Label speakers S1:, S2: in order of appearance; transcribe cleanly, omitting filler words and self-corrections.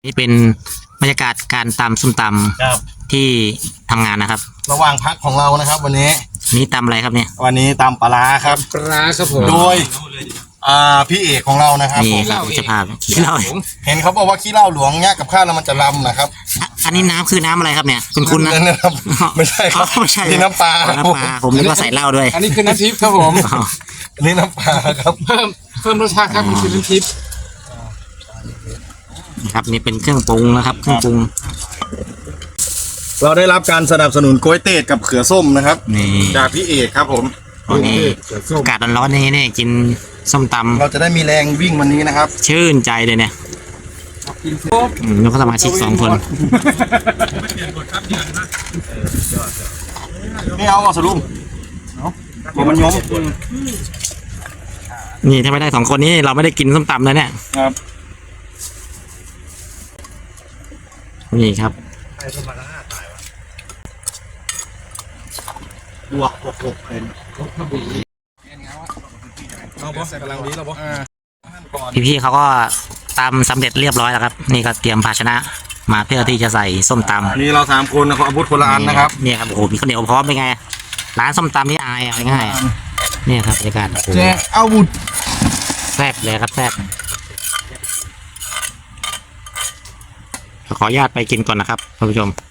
S1: นี่เป็นบรรยากาศการตำส้มต
S2: ครับ
S1: ำที่ทำงานนะครับ
S2: ระหว่างพักของเรานะครับ วันนี้
S1: นี่ตำอะไรครับเนี่ย
S2: วันนี้ตำปลาร้าครับ
S3: ปลาครับผม
S2: โดยพี่เอกของเรานะครับ
S1: นี่
S2: ผม
S1: ครับเจ้าภาพขี้เหล้า
S2: เห็นเขาบอกว่าขี้เหล้าหลวงเนี่ยกับข้าวแล้วมันจะลำนะครับ
S1: อันนี้น้ำคือน้ำอะไรครับเนี่ยคุณนะ
S2: นะครับไม่ใช่ครับ
S1: ไม่ใช่
S2: นี่น้ำปลาครับ
S1: น้ำปลาผมนึกว่าใส่เหล้าด้วย
S3: อันนี้คือน้ำทิพย์ครับผม
S1: อ๋อ
S2: อันนี้น้ำปลาครับ
S3: เพิ่มรสชาติครับมันคือน้ำทิพย์
S1: นะครับนี่เป็นเครื่องปรุงนะครับ เครื่องปรุง
S2: เราได้รับการสนับสนุนกล้วยเตดกับเขือส้มนะครับ
S1: นี่
S2: จากพี่เอกครับผม
S1: วันนี้อากาศร้อนๆนี่กินส้มต
S2: เราจะได้มีแรงวิ่งวันนี้นะครับ
S1: ำชื่นใจเลยเนี่ย
S3: กินครบ
S1: แล้วก็สมาชิก2 คน
S2: ไม่เอาอ่ะสรุปผมมันย้อม
S1: นี่ถ้าไม่ได้2 คนนี้เราไม่ได้กินส้มตำแล้วเนี่ย
S2: ครับ
S1: นี่ครับ
S2: บวก6เป็นเราบอสกำลังดีเราบอส
S1: พี่ๆเขาก็ตำสำเร็จเรียบร้อยแล้วครับ นี่ก็เตรียมภาชนะมาเพื่อที่จะใส่ส้มตำ
S2: อันนี้เรา3คนนะครับอาวุธคนละอันนะครับ
S1: เนี่ยครับโอ้โหมีข้าวเหนียวพร้อมเป็นไงร้านส้มตำนี่อายเอาง่ายๆเนี่ยครับบรรยากาศโอ้โห
S2: แจกอาวุธ
S1: แซ่บเลยครับแซ่บขออนุญาตไปกินก่อนนะครับท่านผู้ชม